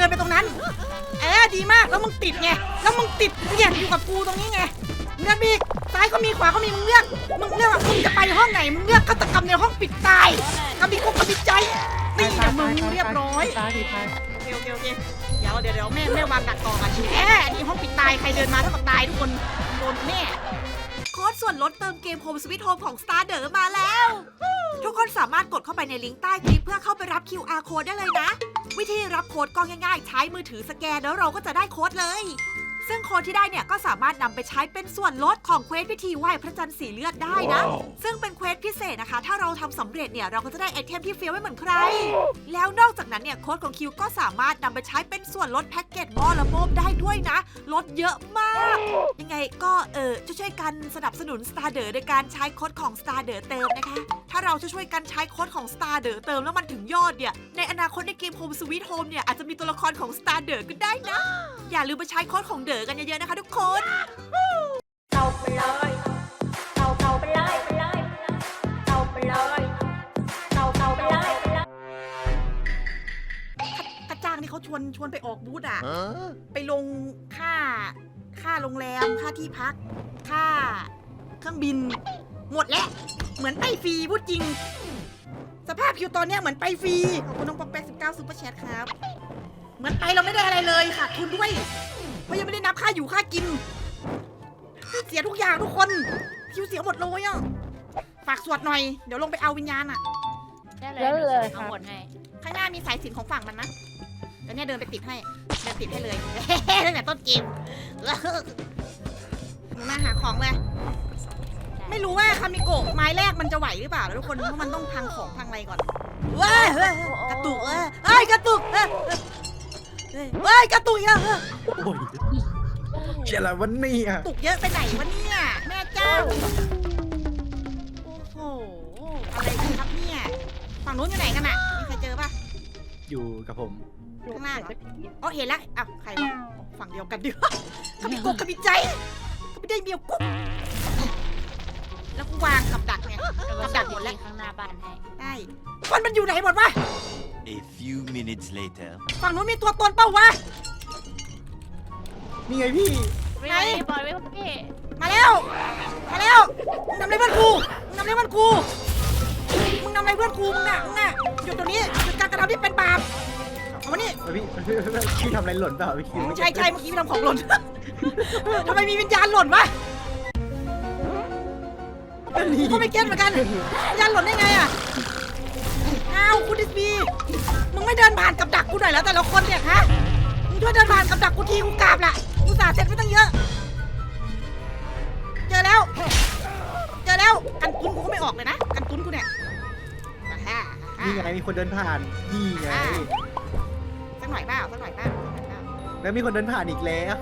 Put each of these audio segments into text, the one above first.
ดินไปตรงนั้นดีมากแล้วมึงติดไงแล้วมึงติดเนี่ยอยู่กับกูตรงนี้ไงเลือกมีซ้ายก็มีขวาก็มีมึงเลือกว่ามึงจะไปห้องไหนมึงเลือกฆาตกรรมในห้องปิดตายกำมีกุ๊กกำมีใจนี่นะมึงเรียบร้อยโอเคเดี๋ยวแม่วางดักต่อกันนี่ห้องปิดตายใครเดินมาเท่ากับตายทุกคนโดนแน่โค้ดส่วนลดเติมเกม Home Sweet Home ของ Starder มาแล้ว ทุกคนสามารถกดเข้าไปในลิงก์ใต้คลิปเพื่อเข้าไปรับ QR Code ได้เลยนะ วิธีรับโค้ดก็ง่ายๆใช้มือถือสแกนแล้วเราก็จะได้โค้ดเลย ซึ่งโค้ดที่ได้เนี่ยก็สามารถนำไปใช้เป็นส่วนลดของเควสพิธีไหว้พระจันทร์สีเลือดได้นะ ซึ่งเป็นเควสพิเศษนะคะถ้าเราทำสำเร็จเนี่ยเราก็จะได้ไอเทมที่เฟี้ยวไม่เหมือนใคร แล้วนอกจากนั้นเนี่ยโค้ดของคิวก็สามารถนำไปใช้เป็นส่วนลดแพ็กเกจหม้อละโมบได้ด้วยนะลดเยอะมากยังไงก็ช่วยกันสนับสนุน Starder โดยการใช้โค้ดของ Starder เติมนะคะถ้าเราช่วยกันใช้โค้ดของ Starder เติมแล้วมันถึงยอดเนี่ยในอนาคตในเกม Home Sweet Home เนี่ยอาจจะมีตัวละครของ Starder ก็ได้นะอย่าลืมไปใช้โค้ดของเด๋อกันเยอะๆนะคะทุกคนเอาไปเลยเอาไปเลยเอาไปเลยเอาไปเลยกระจ้างนี่เขาชวนไปออกบูธไปลงค่าโรงแรมค่าที่พักค่าเครื่องบินหมดแล้วเหมือนไปฟรีพูดจริงสภาพคิวตอนเนี้ยเหมือนไปฟรีขอบคุณน้องป๊อกแป๊ก19ซุปเปอร์แชทครับเหมือนไปเราไม่ได้อะไรเลยขาดทุนด้วยเพราะยังไม่ได้นับค่าอยู่ค่ากินเสียทุกอย่างทุกคนคิวเสียหมดเลยอ่ะฝากสวดหน่อยเดี๋ยวลงไปเอาวิญญาณอ่ะได้เลยเอาหมดให้ข้างหน้ามีสายสิญจน์ของฝั่งมันนะเดี๋ยวเนี่ยเดินไปติดให้เลยตั้งแต่ต้นเกมหนูมาหาของเลยไม่รู้ว่าคามิโกะไม้แรกมันจะไหวหรือเปล่าแล้วทุกคนเพราะมันต้องพังของพังอะไรก่อนเว้ยกระตุกกระตุกกระตุกอีกแล้วโอ้ยเชี่ยอะไรวันนี้ตุกเยอะไปไหนวะเนี่ยแม่เจ้าโอ้โหอะไรกันครับเนี่ยฝั่งนู้นอยู่ไหนกันอ่ะมีใครเจอป่ะอยู่กับผมข้างหน้าเหรออ๋อเห็นแล้วอ้าวใครวะฝั่งเดียวกันดิเขามีกุ๊กเขามีใจเขาไม่ได้เมียวกุ๊กแล้วกูวางกับดักไงกับดักหมดแล้วข้างหน้าบ้านให้ได้คนมันอยู่ไหนหมดวะ A few minutes later ฝั่งนู้นมีตัวตนเปล่าวะนี่ไงพี่ไหนบอลไว้พี่มาแล้วมึงทำอะไรเพื่อนกูมึงทำอะไรเพื่อนกูมึงน่ะหยุดตรงนี้หยุดการกระทำที่เป็นบาปเอามานี่พี่ทำอะไรหล่นเปล่าพี่คิวใช่เมื่อกี้พี่ทำของหล่นทำไมมีวิญญาณหล่นวะก็ไม่เก็ตเหมือนกันวิญญาณหล่นได้ไงอ่ะอ้าวคุณดิสบีมึงไม่เดินผ่านกับดักกูหน่อยแล้วแต่ละคนเนี่ยฮะมึงช่วยเดินผ่านกับดักกูทีกูกราบล่ะกูสาเสร็จไม่ตั้งเยอะเจอแล้วกันตุ้นกูก็ไม่ออกเลยนะกันตุ้นกูเนี่ยนี่ไงมีคนเดินผ่านนี่ไงสักหน่อยเปล่าแล้วมีคนเดินผ่านอีกแล้ว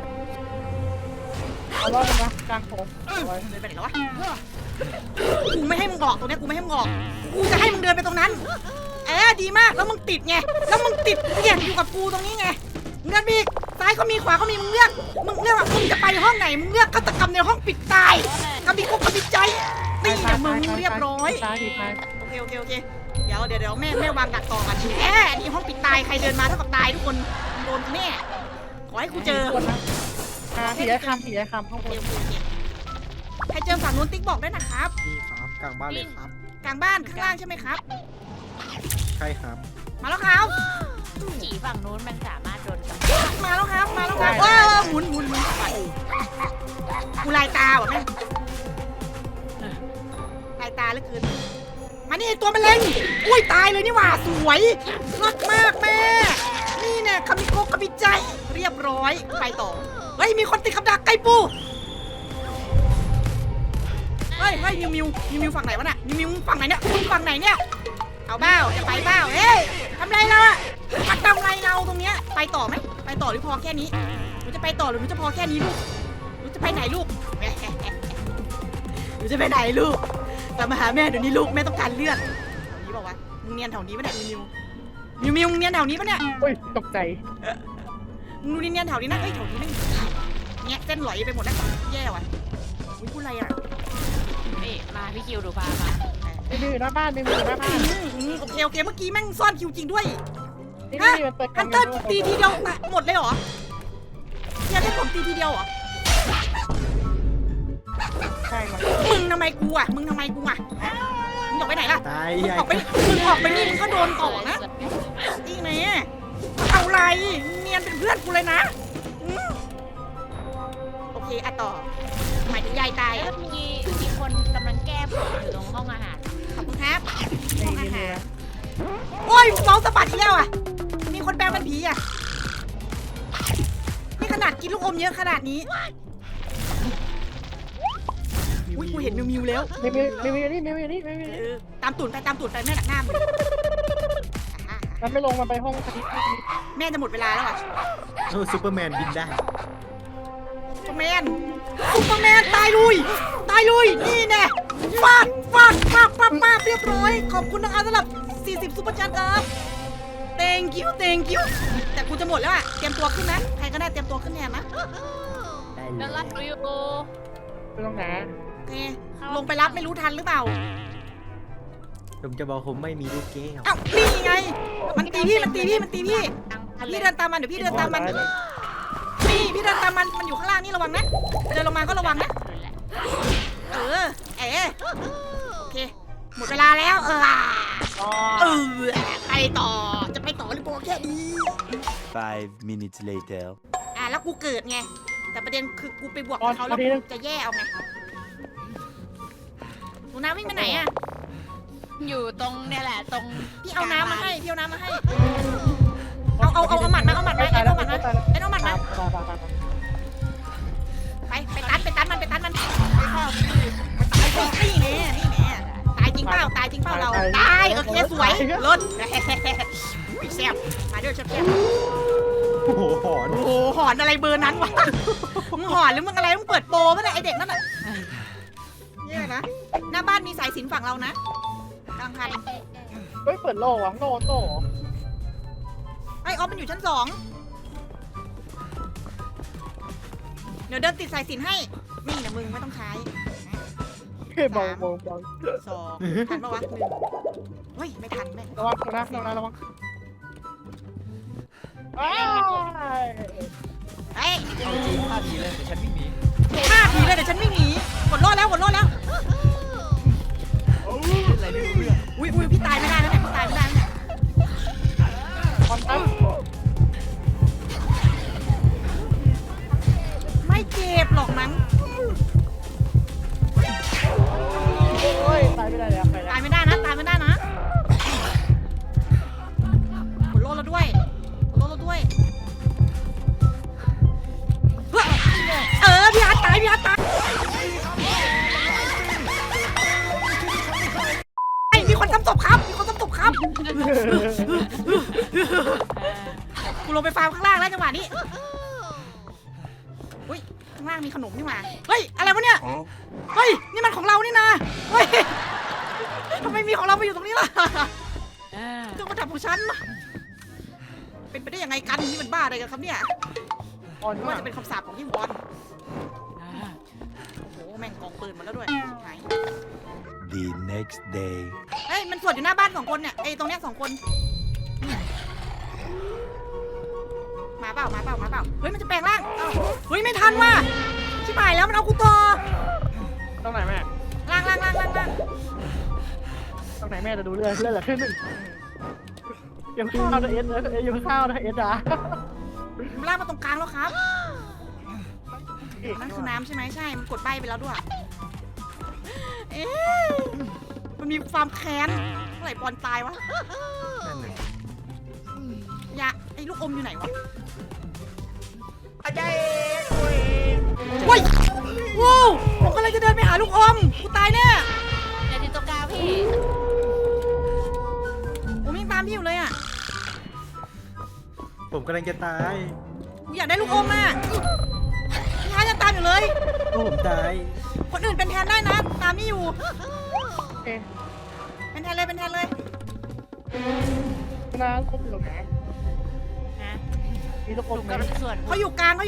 เอาล่ะนะกลางโถงเดินไปไหนแล้ววะกูไม่ให้มึงออกตรงนี้กูไม่ให้มึงออกกูจะให้มึงเดินไปตรงนั้นดีมากแล้วมึงติดไงแล้วมึงติดเนี่ยอยู่กับกูตรงนี้ไงเลือกมีซ้ายก็มีขวาก็มีมึงเลือกว่ามึงจะไปห้องไหนมึงเลือกฆาตกรรมในห้องปิดตายกำมีกุ๊กกำมีใจนี่นะมึงเรียบร้อยโอเคเดี๋ยวแม่วางดักต่อกันนี่ห้องปิดตายใครเดินมาเท่ากับตายทุกคนโดนแน่ขอให้กูเจอผีไอ้คำข้างบนใครเจอฝั่งนู้นติ๊กบอกได้นะครับนี่ครับกลางบ้านเลยครับกลางบ้านข้างล่างใช่ไหมครับใช่ครับมาแล้วครับผีฝั่งนู้นมันสามารถโดนมาแล้วครับหมุนกูลายตาว่ะแม่ลายตาเหลือเกินมานี่ตัวมันเล็งอุ้ยตายเลยนี่หว่าสวยมากแม่นี่เนี่ยคามิโกะคามิใจเรียบร้อยไปต่อเฮ้ยมีคนติดกับดักไก่ปูเฮ้ยมิวฝั่งไหนวะน่ะมิวฝั่งไหนเนี่ยฝั่งไหนเนี่ยเอาเบ้าจะไปเบ้าเฮ้ยทำไรเราอะมาทำไรเราตรงเนี้ยไปต่อไหมไปต่อหรือพอแค่นี้หนูจะไปต่อหรือหนูจะพอแค่นี้ลูกหนูจะไปไหนลูกหนูจะไปไหนลูกกลับมาหาแม่เดี๋ยวนี้ลูกแม่ต้องการเลือดแถวนี้บอกว่ามึงเนียนแถวนี้ปะเนี่ยมิวมึงเนียนแถวนี้ปะเนี่ยโอ้ยตกใจมึงดูเนียนแถวนี้นะเฮ้ยแถวนี้ไม่เนี่ยเส้นหลอยไปหมดแล้วแย่ว่ะพูดอะไรอ่ะมาพี่คิวดูพามาไม่มีหน้าบ้านโอเคเมื่อกี้แม่งซ่อนคิวจริงด้วยนี่มันเปิดฮันเตอร์ตีทีเดียวหมดเลยเหรอยังให้ผมตีทีเดียวเหรอใช่มันมึงทำไมกูอ่ะมึงออกไปไหนล่ะตายมึงใหญ่ออกไปนี่มึงก็โดนต่อนะอีกไหนเอาไรเนียนเป็นเพื่อนกูเลยนะอืมโอเคอะต่อหมายถึงยายตายแล้วอะมีคนกำลังแก้ผลอยู่ตรงห้องอาหารขอบคุณครับนี่ห้องอานี่หารโอ้ยเมาส์สะบัดอีกแล้วอ่ะมีคนแปลงเป็นผีอ่ะนี่ขนาดกินลูกอมเยอะขนาดนี้อุ้ยกูเห็นมิวแล้วมีนี่ตามตูดไปแม่หนักหน้ามึงอ่ะมันไม่ลงมันไปห้องคณิตแม่จะหมดเวลาแล้วอ่ะโอ้ซูเปอร์แมนบินได้ซูเปอร์แมนตายลุยนี่แน่ฟาดเรียบร้อยขอบคุณนะคะสำหรับ40ซุปเปอร์แชทครับ thank you แต่กูจะหมดแล้วอ่ะเตรียมตัวขึ้นนะใครก็ได้เตรียมตัวขึ้นแทนนะได้แล้วเลรัดยอยู่ไม่ต้องหนาโอเคลงไปรับไม่รู้ทันหรือเปล่าผมจะบอกผมไม่มีลูกแก้วเอ้านี่ไงมันตีพี่พี่เดินตามมันเดี๋ยวพี่เดินตามมันเลยนี่พี่เดินตามมันอยู่ข้างล่างนี่ระวังนะเดินลงมาก็ระวังนะโอเคหมดเวลาแล้วไปต่อจะไปต่อหรือโปแค่นี้ 5 minutes later. แล้วกูเกิดไงแต่ประเด็นคือกูไปบวกกับเขาแล้วกูจะแย่เอาไงหนูน้ำวิ่งไปไหนอ่ะอยู่ตรงเนี่ยแหละตรงพี่เอาน้ำมาให้เอาหมัดมาเอาหมัดมาเอาหมัดมาไปตันมันนี่แน่ตายจริงเปล่าเราตายโอเคสวยลดแซ่บมาด้วยแซ่บโอ้โหหอนโอ้โหหอนอะไรเบอร์นั้นวะมึงหอนหรือมึงอะไรมึงเปิดโปรป่ะเนี่ยไอเด็กนั่นน่ะเนี่ยนะหน้าบ้านมีสายสิญจนฝั่งเรานะกลางพันเฮ้ยเปิดโล่อะโล่ไอออฟมันอยู่ชั้น2เดี๋ยวเดินติดสายสิญจนให้นี่นะมึงไม่ต้องใช้เบา 2ทันปะวะ1เฮ้ยไม่ทันแม่ระวังระวังเฮ้ยเอาจริง5 ทีเลยเดี๋ยวฉันวิ่งหนี 5 ทีเลยเดี๋ยวฉันวิ่งหนีกดรอดแล้วอะไรไม่รู้เรื่องอุ้ยพี่ตายไม่ได้แล้วเนี่ยพี่ตายไม่ได้แล้วเนี่ยความตั้งไม่เจ็บหรอกมั้งโอ้ยตายไม่ได้เลยไปแล้วตายไม่ได้นะกดรอดแล้วด้วยพี่อาร์ตตายมีคนทำศพครับกูลงไปฟาร์มข้างล่างแล้วจังหวะนี้อุ้ยข้างล่างมีขนมนี่หว่าเฮ้ยอะไรวะเนี่ยเฮ้ยนี่มันของเรานี่นะเฮ้ยทำไมมีของเราไปอยู่ตรงนี้ล่ะเครื่องประดับของฉันเป็นไปได้ยังไงกันนี่มันบ้าอะไรกันครับเนี่ยอ่อนว่ามาจะเป็นคำสาปของพี่วอนโอ้โหแม่งกองปืนมาแล้วด้วยไหน The next day. เฮ้ยมันสวดอยู่หน้าบ้าน2 คนเนี่ยไอ้ตรงเนี้ย2 คนมาเปล่าเฮ้ยมันจะแปลงร่างเฮ้ยไม่ทันว่ะชิบหายแล้วมันเอากูต่อตรงไหนแม่ล่างตรงไหนแม่จะดูเรื่อยเหลือแค่1ยังข้าวนะเอสยังข้าวนะเอสอ่ะมันล่างมาตรงกลางแล้วครับนั่นคือน้ำใช่ไหมใช่มันกดใบไปแล้วด้วยเอ๊ะมันมีความแค้นเมื่อไหร่บอลตายวะนั่นน่ะอย่าไอ้ลูกอมอยู่ไหนวะเฮ้ยว้าวผมกำลังจะเดินไปหาลูกอมกูตายแน่ในที่ตรงกลางพี่ผมยังตามพี่อยู่เลยอ่ะผมกำลังจะตายกูอยากได้ลูกอมอ่ะพี่ฮาร์ทยังตามอยู่เลยโอ้ผมตายคนอื่นเป็นแทนได้นะตามพี่อยู่โอเคเป็นแทนเลยน้ำครบหรือไงนะมีทุกคถูนกไหมกำลังส่วนเขาอยู่กลาง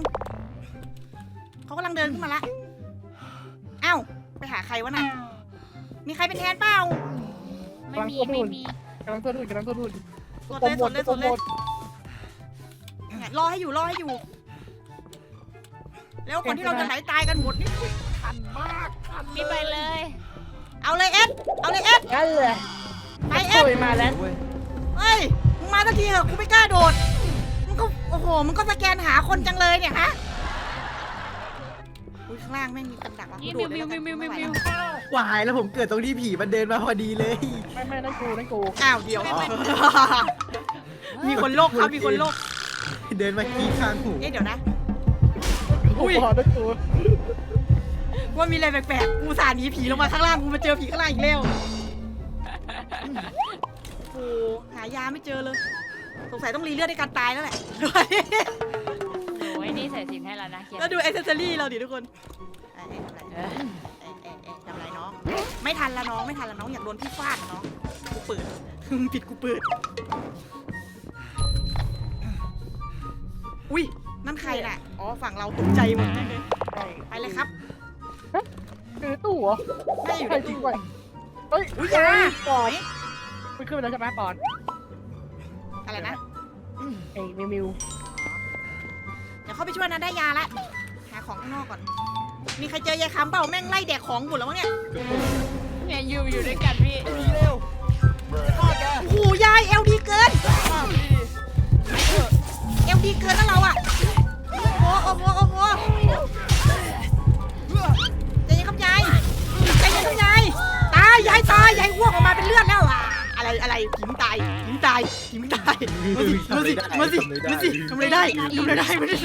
เขากำลังเดินขึ้นมาละเอ้าไปหาใครวะน่ะมีใครเป็นแทนเปล่าไม่มีกำลังตัวดูดสดโปรเลยโมสทดเลยโปสรดโมเลยทเนี่ยรอให้อยู่แล้วคนที่เราจะไหลตายกันหมดนี่พี่ไปเลยเอาเลยเอสเอาเลยเอสนั่นแหละไปเอสตุยมาแล้วเว้ยเฮ้ยมึงมาสักทีเถอะกูไม่กล้าโดดมึงก็โอ้โหมึงก็สแกนหาคนจังเลยเนี่ยฮะอุ้ยข้างล่างแม่งมีกำดักว่ะกูนี่โดดเลยแล้วกันมิวไม่ไหวมิแล้ว ววายแล้วผมเกิดตรงที่ผีมันเดินมาพอดีเลยไม่นั่นกูอ้าวเดี๋ยวมีคนโลกครับมีคนโลกเดินมาขี้ข้างหูเอ๊ะเดี๋ยวนะอุ้ยนั่นกูว่ามีอะไรแปลกๆกูสาหนีผีลงมาข้างล่างกูมาเจอผีข้างล่างอีกแล้วโอ้หายาไม่เจอเลยสงสัยต้องรีเลือดในการตายแล้วแหละโอ้ยนี่ใส่สินให้แล้วนะเคียแล้วดูแอคเซสซอรี่เราดิทุกคนทำไรน้อง ไม่ทันละน้องไม่ทันละน้องอยากโดนพี่ฟาดน้องกูเปิด ผิดกูเปิด อุ้ยนั่นใครน่ะอ๋อฝั่งเราตกใจหมดเลยไปเลยครับคือตู้เหรอน่าอยู่ใครในจริตู้งไปเฮ้ยอุ้ยยาปอนไหนมันขึ้นไปแล้วใช่ไหมปอนอะไรนะไอ้มิวเดี๋ยวเข้าไปช่วยนะได้ยาละหาของข้างนอกก่อน มีใครเจอยายคำเปล่าแม่งไล่แดกของหมดแล้วมั้งเนี่ยเนี่ยอยู่ด้วยกันพี่โอ้โหยายเอลดีเกินเอลดีเกินแล้วเราอะโอ้โหใจเย็นครับยายใจเย็นครับยายตายยายตายยายอ้วกออกมาเป็นเลือดแล้วอะอะไรหิมตายมาสิทำอะไรได้มาดิสิ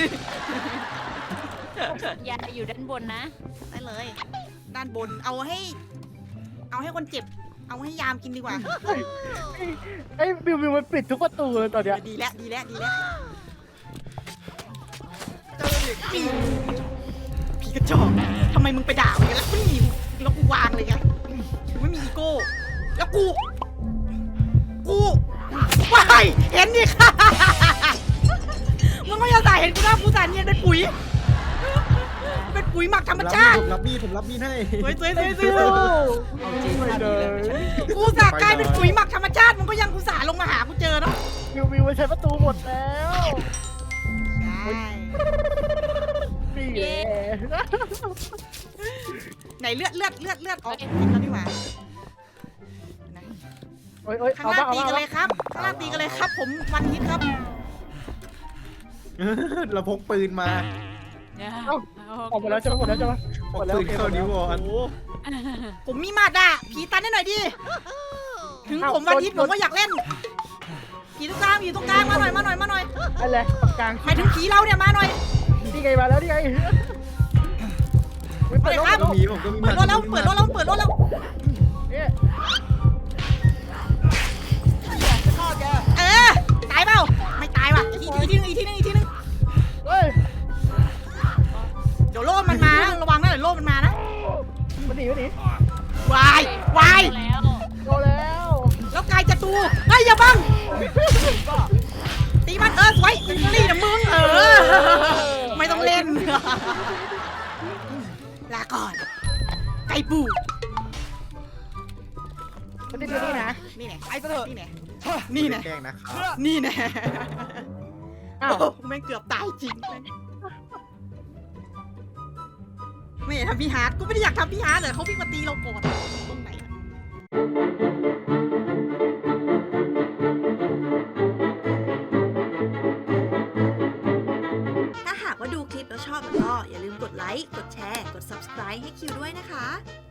อย่าอยู่ด้านบนนะได้เลย ด้านบนเอาให้คนเจ็บ เอาให้ยามกินดีกว่าไอ้มิวมันปิดทุกประตูเลยตอนเนี้ยดีแล้วผีกระจอกทำไมมึงไปด่ามันกันแล้วนี่แล้วกูวางเลยไงกูไม่มีอีโก้แล้วกูว้ายเห็นดิค่ะมึงไม่ยอมใส่เห็นกูนะกูใส่เนียนเป็นปุ๋ยหมักธรรมชาติผมรับมีดให้สวยเอาจริงไปเลยกูสากลายเป็นปุ๋ยหมักธรรมชาติมันก็ยังกูสาลงมาหากูเจอเนาะมิวมันใช้ประตูหมดแล้วใช่นี่แหละไหนเลือดอ๋อกินแล้วดีกว่าโอ้ยข้างล่างตีกันเลยครับ ผมวันฮิตครับเราพกปืนมาออกหมดแล้วใช่ไหมพกปืนเข้านิ้วอ่อนผมมีมาดอ่ะผีตันให้หน่อยดิ ถึงผมวันฮิตผมก็อยากเล่น ผีตรงกลางมาหน่อยอะไรตรงกลางหมายถึงผีเราเนี่ยมาหน่อยนี่ไงมาแล้วนี่ไงไปเลยครับผมก็มีเปิดรถแล้วเนี่ยตายเปล่า ไม่ตายว่ะอีกทีนึงเฮ้ยเดี๋ยวโล่มันมานะระวังนะเดี๋ยวโล่มันมานะมันหนีวายแล้วโดนแล้วแล้วกายจะตูเฮ้ยอย่าบังตีมันสวยนี่นะมึงไม่ต้องเล่น ลาก่อน ไก่ปูมันติดอยู่นี่นะนี่แน่ไอ้เถอะนี่แน่แกล้งนะครับนี่แน่อ้าวโอ้แม่งเกือบตายจริงไม่อยากทำพี่ฮาร์ดกูไม่ได้อยากทำพี่ฮาร์ดแต่เขาวิ่งมาตีเราก่อนตรงไหนอะถ้าหากว่าดูคลิปแล้วชอบแล้วก็อย่าลืมกดไลค์ กดแชร์ กด subscribe ให้คิวด้วยนะคะ